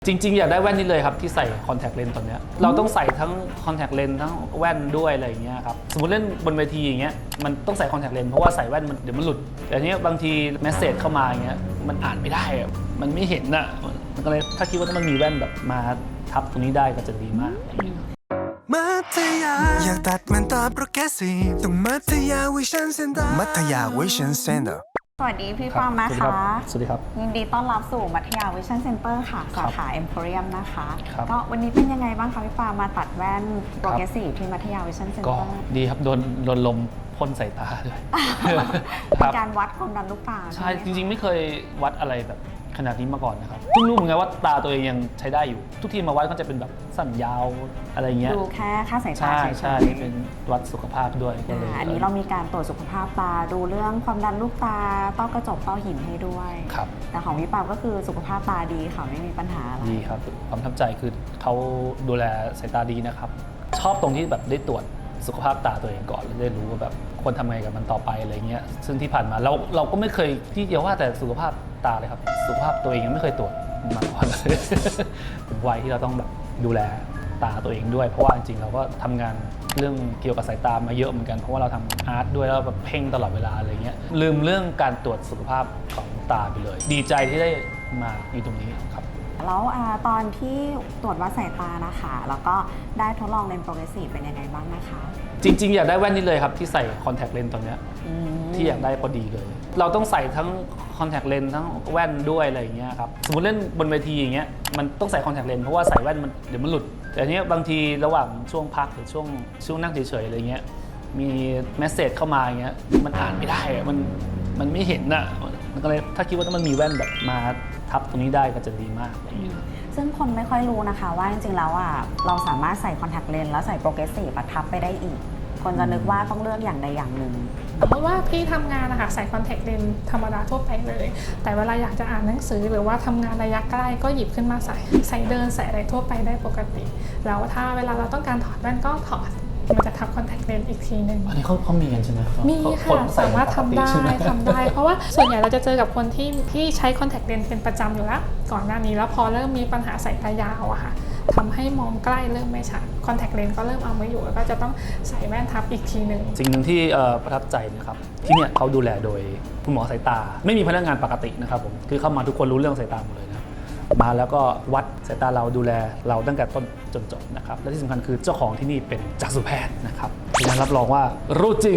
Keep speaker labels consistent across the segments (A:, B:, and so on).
A: จริงๆอยากได้แว่นนี้เลยครับที่ใส่คอนแทคเลนส์ตอนนี้เราต้องใส่ทั้งคอนแทคเลนส์ทั้งแว่นด้วยอะไรอย่างเงี้ยครับสมมติเล่นบนเวทีอย่างเงี้ยมันต้องใส่คอนแทคเลนส์เพราะว่าใส่แว่นมันเดี๋ยวมันหลุดแต่เนี้ยบางทีเมสเซจเข้ามาอย่างเงี้ยมันอ่านไม่ได้อะมันไม่เห็นอ่ะมันก็เลยถ้าคิดว่าถ้ามันมีแว่นแบบมาทับตรงนี้ได้ก็จะดีมาก
B: มัธยาอยากตัดมันตาโปรแกรสซีฟต้องมัธยาวิชั่นเซ็นเตอร์มัธยาวิชั่นเซ็นเตอร์
C: สวัสดีพี่ปามนะคะ
A: สวัสดีครับ
C: ยินดีต้อนรับสู่มัธยาวิชั่นเซ็นเตอร์ค่ะสาขา Emporium นะคะ ก็วันนี้เป็นยังไงบ้างคะพี่ปามมาตัดแว่นโปรเกรสซีฟที่มัธยาวิชั่นเซ็นเตอร์
A: ก็ดีครับโดนลมพ่นใส่ตาด้วย
C: เป็นการวัดความดันลูกตา
A: ใช่จริงๆไม่เคยวัดอะไรแบบขนาดนี้มาก่อนนะครับเพิ่งรู้เหมือนกันว่าตาตัวเองยังใช้ได้อยู่ทุกทีมาวัดก็จะเป็นแบบสั้นยาวอะไรเงี้ย
C: ดูแค่ค่าสายตา
A: ใช่เป็นวัดสุขภาพด้วยก็เลย
C: อันนี้เรามีการตรวจสุขภาพตาดูเรื่องความดันลูกตาต้อกระจกต้อหินให้ด้วย
A: ครับ
C: แต่ของพี่ปามก็คือสุขภาพตาดีค่ะไม่มีปัญหาอะไร
A: ดีครับความประทับใจคือเขาดูแลสายตาดีนะครับชอบตรงที่แบบได้ตรวจสุขภาพตาตัวเองก่อนแล้วได้รู้ว่าแบบควรทำไงกับมันต่อไปอะไรเงี้ยซึ่งที่ผ่านมาเราก็ไม่เคยที่เดียวว่าแต่สุขภาพตาเลยครับสุขภาพตัวเองยังไม่เคยตรวจมาก่อนเลยถึงวัยที่เราต้องแบบดูแลตาตัวเองด้วยเพราะว่าจริงๆเราก็ทำงานเรื่องเกี่ยวกับสายตามาเยอะเหมือนกันเพราะว่าเราทำอาร์ตด้วยแล้วแบบเพ่งตลอดเวลาอะไรเงี้ยลืมเรื่องการตรวจสุขภาพของตาไปเลยดีใจที่ได้มาอยู่ตรงนี้ครับ
C: แล้วตอนที่ตรวจวัดสายตานะคะแล้วก็ได้ทดลองเลนส์โปรเกรสซีฟเป็นยังไงบ้างนะคะ
A: จริงๆอยากได้แว่นนี้เลยครับที่ใส่คอนแทคเลนส์ตอนนี้ที่อยากได้พอดีเลยเราต้องใส่ทั้งคอนแทคเลนส์ทั้งแว่นด้วยอะไรอย่างเงี้ยครับสมมติเล่นบนเวทีอย่างเงี้ยมันต้องใส่คอนแทคเลนส์เพราะว่าใส่แว่นมันเดี๋ยวมันหลุดแต่เนี้ยบางทีระหว่างช่วงพักหรือช่วงนั่งเฉยๆอะไรเงี้ยมีเมสเซจเข้ามาอย่างเงี้ยมันอ่านไม่ได้มันไม่เห็นอ่ะมันก็เลยถ้าคิดว่าถ้ามันมีแว่นแบบมาทับตรงนี้ได้ก็จะดีมากอะไรอย่างเงี้ย
C: ซึ่งคนไม่ค่อยรู้นะคะว่าจริงๆแล้วเราสามารถใส่คอนแทคเลนส์แล้วใส่โปรเกรสซีฟทับไปได้อีกคนจะนึกว่าต้องเลือกอย่างใดอย่างหนึ่ง
D: เพราะว่าพี่ทำงานนะคะใส่คอนแทคเลนส์ธรรมดาทั่วไปเลยแต่เวลาอยากจะอ่านหนังสือหรือว่าทำงานระยะใกล้ก็หยิบขึ้นมาใส่เดินใส่อะไรทั่วไปได้ปกติแล้วถ้าเวลาเราต้องการถอดแว่นก็ถอดมันจะทับคอนแทคเลนส์อีกทีหนึ่ง
A: อันนี้เขามีกันใช่ไหม
D: มีค่ะสามารถทำได้เพราะว่าส่วนใหญ่เราจะเจอกับคนที่ใช้คอนแทคเลนส์เป็นประจำอยู่แล้วก่อนหน้านี้แล้วพอเริ่มมีปัญหาสายตายาวอะค่ะทำให้มองใกล้เริ่มไม่ชัดคอนแทคเลนส์ก็เริ่มเอาไม่อยู่แล้วก็จะต้องใส่แว่นทับอีกทีหนึ่ง
A: สิ่งหนึ่งที่ประทับใจนะครับที่เนี่ยเขาดูแลโดยคุณหมอสายตาไม่มีพนักงานปกตินะครับผมคือเข้ามาทุกคนรู้เรื่องสายตาหมดเลยนะมาแล้วก็วัดสายตาเราดูแลเราตั้งแต่ต้นจนจบนะครับและที่สำคัญคือเจ้าของที่นี่เป็นจักษุแพทย์นะครับฉะนั้นรับรองว่ารู้จริง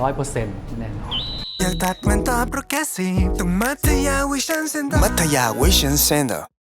A: 100% แน่นอน
B: อยากตัดมันตาโปรแกรสซีฟต้องมัธยาวิชั่นเซ็นเตอร์มัธยาวิชั่นเซ็นเตอร์